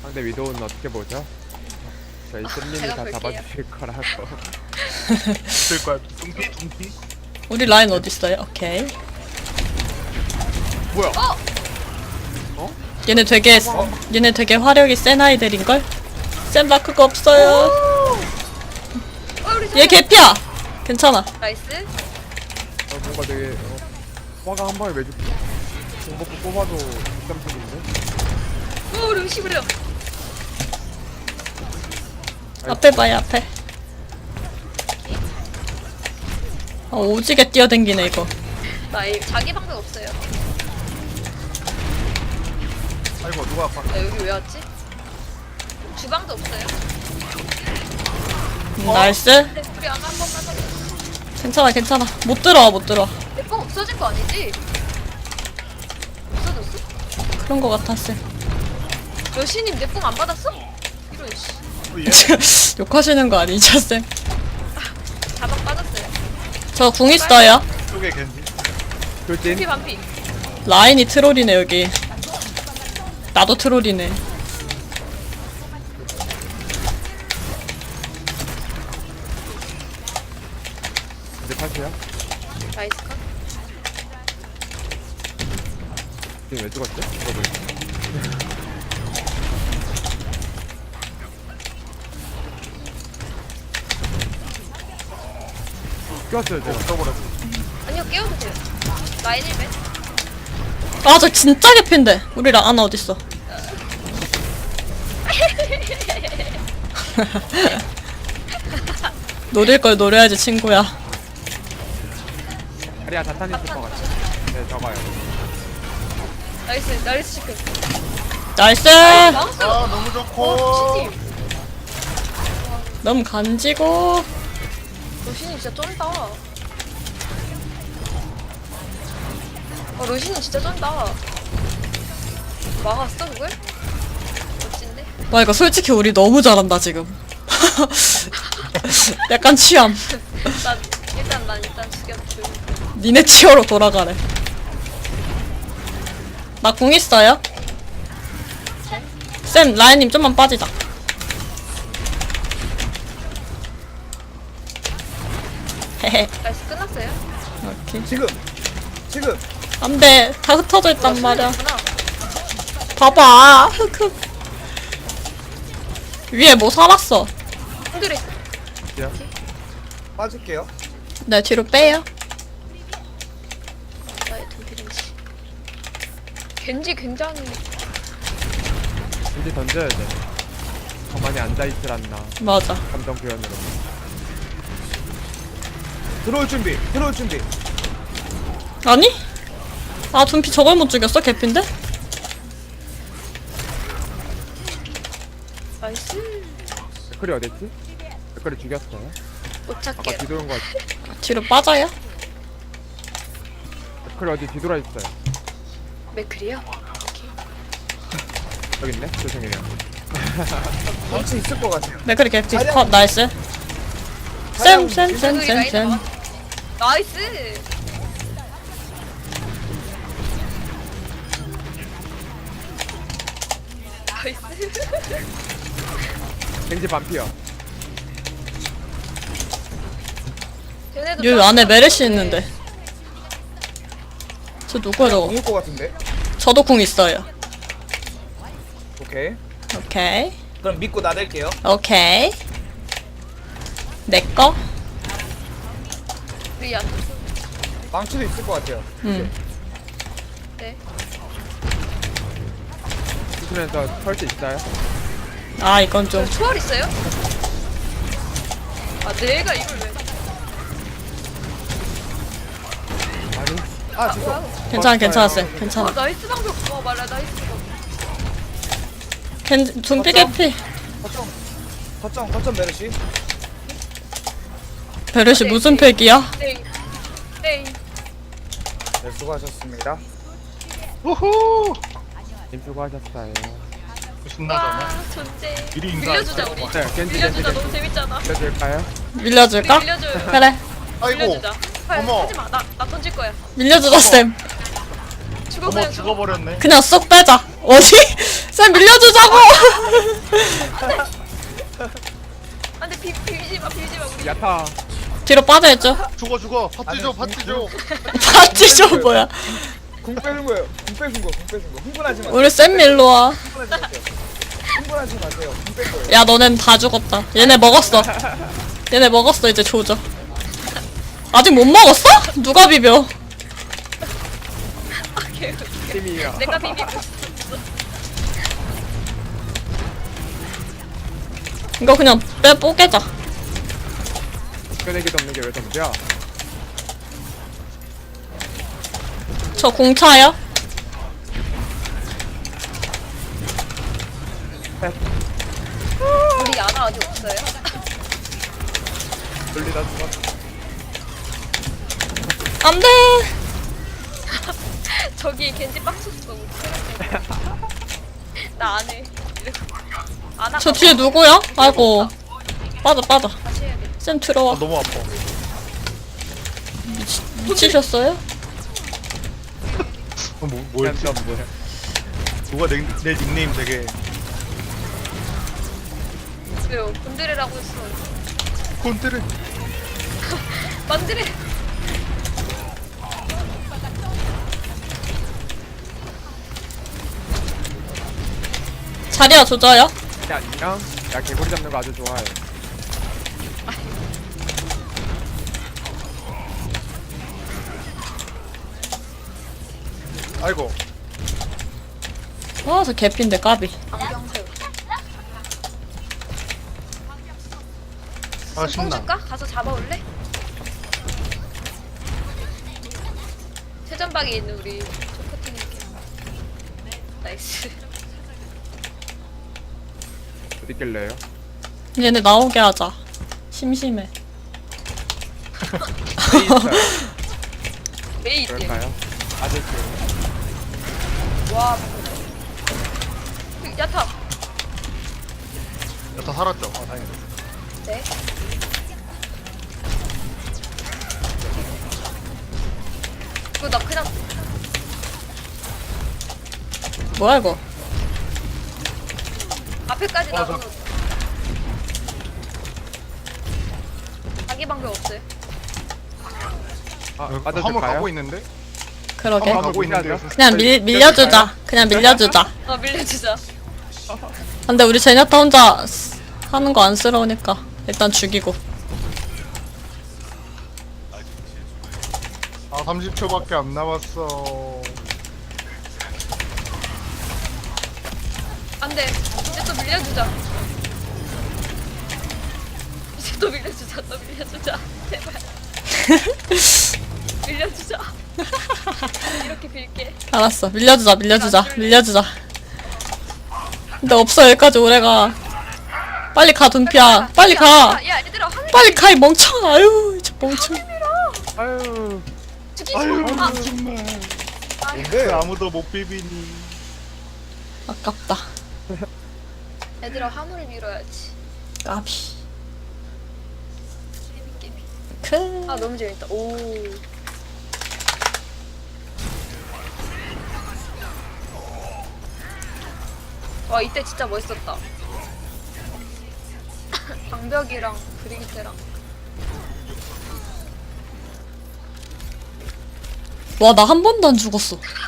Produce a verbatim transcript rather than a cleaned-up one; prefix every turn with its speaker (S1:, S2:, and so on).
S1: 상대 위도우는 어떻게 보죠? 저희 쌤님이
S2: 제가
S1: 다
S2: 볼게요.
S1: 잡아주실 거라고.
S3: 쓸 거야. 뚱피 뚱피.
S4: 우리 라인 어딨어요? 오케이.
S1: 뭐야?
S2: 어?
S4: 얘네 되게 얘네 되게 화력이 센 아이들인걸? 센 마크가 없어요.
S2: 어, 우리
S4: 얘 개피야. 괜찮아.
S2: 나이스.
S1: 어, 뭔가 되게 어, 화가 한 방에 매주 공복부 뽑아도 육삼십인데?
S2: 오, 우리 의식을요.
S4: 앞에 봐요 앞에. 아 오지게 뛰어댕기네 이거.
S2: 나 이, 자기 방법 없어요.
S3: 아이고 누가 아파.
S2: 나 여기 왜 왔지? 주방도 없어요.
S4: 음, 나이스.
S2: 네, 우리 아마 한 번만 더.
S4: 괜찮아 괜찮아. 못 들어와 못 들어와.
S2: 내거 없어진 거 아니지? 없어졌어?
S4: 그런 거 같았어.
S2: 여신님 내 뽕 안 받았어? 이런 씨.
S3: 또 얘.
S4: 욕하시는 거 아니죠 쌤?
S2: 자방 빠졌어요.
S4: 저 궁 있어요.
S3: 쪽에 겐지.
S1: 돌진?
S2: 반피 반피.
S4: 라인이 트롤이네 여기. 나도 트롤이네.
S1: 이제 탈수야?
S2: 나이스 컷.
S1: 지금 왜 죽었지? 이거 보니까. 꼈어요 제가.
S3: 떠버렸어.
S2: 아니요 깨워도 돼요. 라인 일 배.
S4: 아 저 진짜 개핀데. 우리 라아나 어딨어? 노릴 걸 노려야지 친구야.
S1: 다리야 자탄 있을 것 같아. 네 저거요.
S2: 나이스 나이스 시크.
S4: 나이스.
S2: 나이스.
S3: 아 너무 좋고.
S2: 어, 신님.
S4: 너무 간지고.
S2: 로신님 진짜 쩐다. 어, 로신님 진짜 쩐다. 막았어 그걸? 멋진데?
S4: 와 이거 솔직히 우리 너무 잘한다 지금. 약간 취함.
S2: 난 일단 난 일단 죽였죠.
S4: 니네 치어로 돌아가래. 나 궁 있어요? 쌤 라인님 좀만 빠지자. 헤헤.
S2: 나이스 끝났어요?
S4: 오케이.
S3: 지금. 지금.
S4: 안돼 다 흩어져 있단 말이야.
S2: 구나.
S4: 봐봐. 흑흑. 위에 뭐 살았어.
S2: 흔들어 있어.
S3: 빠질게요.
S4: 네 뒤로 빼요.
S2: 나의 돈피렌지. 겐지 굉장히
S1: 이제 던져야 돼. 가만히 앉아있질 않나.
S4: 맞아.
S1: 감정 표현으로.
S3: 들어올 준비. 들어올 준비.
S4: 아니? 아 둠피 저걸 못 죽였어 개핀데?
S2: 나이스.
S1: 댓글이 어딨지? 댓글이 죽였어요?
S2: 못
S1: 아까
S2: 찾게요.
S1: 뒤돌은 거 같아.
S4: 뒤로 빠져요?
S1: 댓글이 어디 뒤돌아 있어요.
S2: 맥클이요?
S1: 여기 있네? 죄송해요.
S3: 망치 있을 것 같아요.
S4: 네 그래 개피
S3: 자리야.
S4: 컷 나이스.
S3: 자리야.
S4: 쌤쌤쌤쌤쌤
S2: 나이스. 나이스.
S1: 겐지 반피어.
S2: 쟤네도
S4: 여기
S2: 짱
S4: 안에 메르시
S2: 짱
S4: 있는데. 저 누구야 저거?
S3: 엉을 것 같은데.
S4: 저도 궁 있어요.
S3: 오케이.
S4: 오케이
S3: 그럼 믿고 나댈게요.
S4: 오케이. 내꺼?
S2: 우리 안
S3: 망치도 있을 것 같아요.
S4: 응.
S2: 네.
S1: 수술에서 설치 있어요?
S4: 아 이건 좀.
S2: 저 초월 있어요? 아 내가 이걸 왜?
S1: 아니.
S3: 아 죄송.
S2: 뭐야?
S4: 괜찮아 괜찮아 쌤
S2: 아
S4: 괜찮아.
S2: 나이스 방금. 어 말라 나이스 방금.
S4: 겐 둠피 개피.
S3: 거점. 거점 거점 메르시.
S4: 베르시 무슨 팩이야?
S2: 네. 네.
S3: 네 수고하셨습니다.
S5: 우후!
S1: 님 수고하셨어요.
S5: 신나잖아.
S2: 와 존재.
S5: 미리 인사.
S2: 빌려주자 우리.
S1: 네, 겐지 겐지
S2: 빌려주자
S1: 겐지.
S2: 너무 재밌잖아.
S1: 빌려줄까요?
S4: 밀려줄까?
S2: 빌려줘요.
S4: 그래
S5: 아이고,
S2: 빌려주자. 할,
S5: 어머.
S2: 하지마. 나, 나 던질 거야.
S4: 밀려주자 쌤.
S2: 죽어
S5: 어머
S2: 그냥 죽어.
S5: 죽어버렸네.
S4: 그냥 쏙 빼자. 어디? 쌤 밀려주자고.
S2: 안돼 비 비비지 마 비비지 마 우리.
S1: 야타.
S4: 뒤로 빠져야죠.
S5: 죽어 죽어 파티 줘 파티 줘.
S4: 파티 좀 뭐야.
S3: 궁 빼는 거예요. 궁 빼는 거, 궁 빼는 거. 흥분하지 마세요.
S4: 우리 쌤 밀로 와.
S3: 흥분하지 마세요. 흥분하지 마세요. 궁 뺀 거예요.
S4: 야 너넨 다 죽었다. 얘네 먹었어. 얘네 먹었어. 이제 조져. 아직 못 먹었어? 누가 비벼?
S2: 오케이 오케이.
S1: 팀이야.
S2: 내가 비비고 있어.
S4: 이거 그냥 빼 뽀개자.
S1: 끄내기도 없는 게 왜 전부야?
S4: 저 공차요?
S2: 우리 야나 아직 없어요?
S1: 돌리다 죽었어.
S4: 안돼.
S2: 저기 겐지 빡쳤어. 나 안 해. 이러고. 안
S4: 저 뒤에 누구야? 아이고. 빠져 빠져.
S2: 다시 해야 돼.
S4: 쌤 들어와.
S5: 아, 너무 아파.
S4: 미치셨어요?
S5: 어, 뭐 뭐였지?
S1: 난 뭐야?
S5: 누가 내, 내 닉네임 되게
S2: 왜요? 곤드레라고 했어.
S5: 콘트를
S2: 만드레.
S4: 자리야 조져요?
S1: 야 안녕. 야 개구리 잡는 거 아주 좋아해.
S5: 아이고
S4: 아 저 개핀데 까비.
S2: 안경새우.
S5: 아 신나.
S2: 뽕줄까? 가서 잡아올래? 최전방에 있는 우리 초코팅이렇게. 나이스.
S1: 어디 있길래요?
S4: 얘네 나오게 하자. 심심해.
S2: 메이 있대.
S1: 그럴까요? 아직
S2: 와. 그, 야타.
S5: 야다 살았죠? 아 다행이다.
S2: 네. 이거 나 그냥
S4: 뭐야 이거?
S2: 앞에까지
S5: 어,
S2: 나가서 자기 방법 없어요.
S1: 아
S5: 화물
S1: 빠져줄까요?
S5: 가고 있는데?
S4: 그러게.
S5: 화물 가고 있는데
S1: 밀려줘.
S4: 그냥 밀 밀려주자. 그냥 밀려주자.
S2: 어 밀려주자.
S4: 근데 우리 제냐타 혼자 쓰- 하는 거 안쓰러우니까 일단 죽이고.
S5: 아 삼십 초밖에 안 남았어.
S2: 안돼. 이제 또 밀려주자. 이제 또 밀려주자. 또 밀려주자. 제발. 밀려주자. 이렇게 빌게.
S4: 알았어. 밀려주자. 밀려주자. 밀려주자. 근데 없어 여기까지 오래가. 빨리 가 둔피야. 빨리 가.
S2: 야 얘들아 한
S4: 빨리 가 이 멍청. 아유 저 멍청.
S1: 아유.
S2: 죽이지
S5: 아유
S2: 마.
S5: 정말.
S3: 뭔데?
S5: 아무도 못 비비니.
S4: 아깝다.
S2: 얘들아 화물을 밀어야지.
S4: 까비.
S2: 깨비 깨비.
S4: 크.
S2: 아 너무 재밌다. 오. 와 이때 진짜 멋있었다. 방벽이랑 브리기테랑.
S4: 와 나 한 번도 안 죽었어.